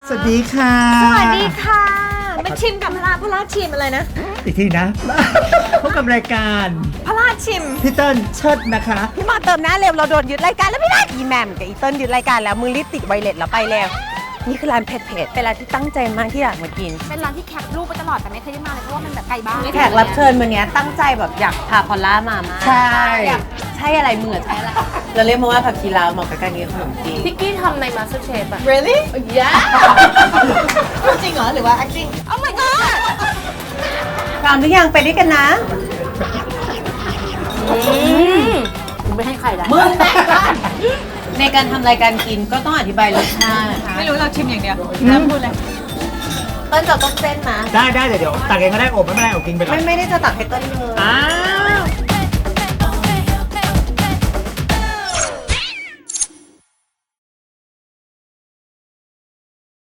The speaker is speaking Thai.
สวัสดีค่ะสวัสดีค่ะมาชิมกับพระราชชิมอะไรนะอีกทีนะ พบกับรายการพระราชชิมพี่เติ้ลเชิดนะคะพี่มาเติมหน้าเร็วเราโดนยึดรายการแล้วไม่ได้อีแหมมกับอีเติ้ลยึดรายการแล้วมือรีบติดไวเลสแล้วไปแล้วนี่คือร้านเผ็ดๆเป็นร้านที่ตั้งใจมากที่อยากมากินเป็นร้านที่แคปรูปไปตลอดแต่ไม่เคยได้มาเลยเพราะว่ามันแบบไกลบ้านแขกรับเชิญวันนี้ตั้งใจแบบอยากพาพอลล่ามามากใช่อยากใช่อะไรมือใช่อะไรเราเรียกมาว่าผักชีลาวเหมาะกับการกินขนมจีนพิกกี้ทำใน MasterChef อะ really yeah จริงเหรอหรือว่า acting oh my god พร้อมหรือยังไปด้วยกันนะกูไม่ให้ใครละมึงแม่บ้านในการทำรายการกินก็ต้องอธิบายรสชาตินะคะไม่รู้เราชิมอย่างเดียวแล้วพูดเลยเติ้ลจะต้องเส้นนะได้เดี๋ยวตักเองก็ได้อบไม่เป็นไรอบกินไปก่อนไม่ได้จะตักให้เติ้ลเลยอ้าว